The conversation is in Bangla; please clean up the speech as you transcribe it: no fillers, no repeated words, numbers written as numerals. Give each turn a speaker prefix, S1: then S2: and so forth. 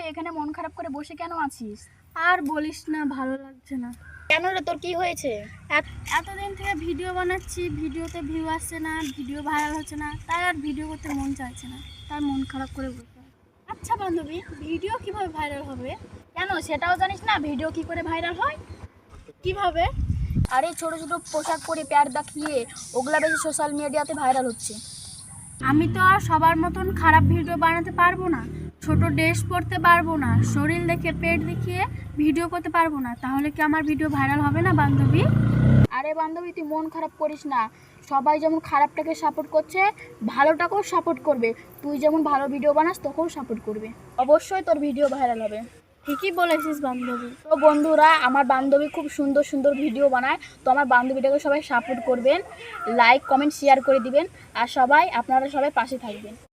S1: এখানে মন খারাপ করে বসে কেন আছিস?
S2: আর বলিস না, ভালো লাগছে না।
S1: কেন রে, তোর কি হয়েছে?
S2: এতদিন থেকে ভিডিও বানাচ্ছি, ভিডিওতে ভিউ আসছে না, ভিডিও ভাইরাল হচ্ছে না, তাই আর ভিডিও করতে মন চাইছে না, তাই মন খারাপ করে বসে আছি। আচ্ছা বান্ধবী, ভিডিও কিভাবে ভাইরাল হবে?
S1: কেন সেটাও জানিস না ভিডিও কি করে ভাইরাল হয়?
S2: কিভাবে?
S1: আরে ছোট ছোট পোশাক পরে প্যার দেখিয়ে ওগুলা বেশি সোশ্যাল মিডিয়াতে ভাইরাল হচ্ছে।
S2: আমি তো আর সবার মতন খারাপ ভিডিও বানাতে পারবো না, ছোট ড্রেস পরতে পারবো না, শরীর দেখে পেট দেখিয়ে ভিডিও করতে পারবো না, তাহলে কি আমার ভিডিও ভাইরাল হবে না বান্ধবী?
S1: আরে বান্ধবী, তুই মন খারাপ করিস না। সবাই যেমন খারাপটাকে সাপোর্ট করছে, ভালোটাকেও সাপোর্ট করবে। তুই যেমন ভালো ভিডিও বানাস তোকেও সাপোর্ট করবে। অবশ্যই তোর ভিডিও ভাইরাল হবে।
S2: ঠিকই বলেছিস বান্ধবী।
S1: তো বন্ধুরা, আমার বান্ধবী খুব সুন্দর সুন্দর ভিডিও বানায়, তো আমার বান্ধবীটাকে সবাই সাপোর্ট করবেন, লাইক কমেন্ট শেয়ার করে দিবেন, আর আপনারা সবাই পাশে থাকবেন।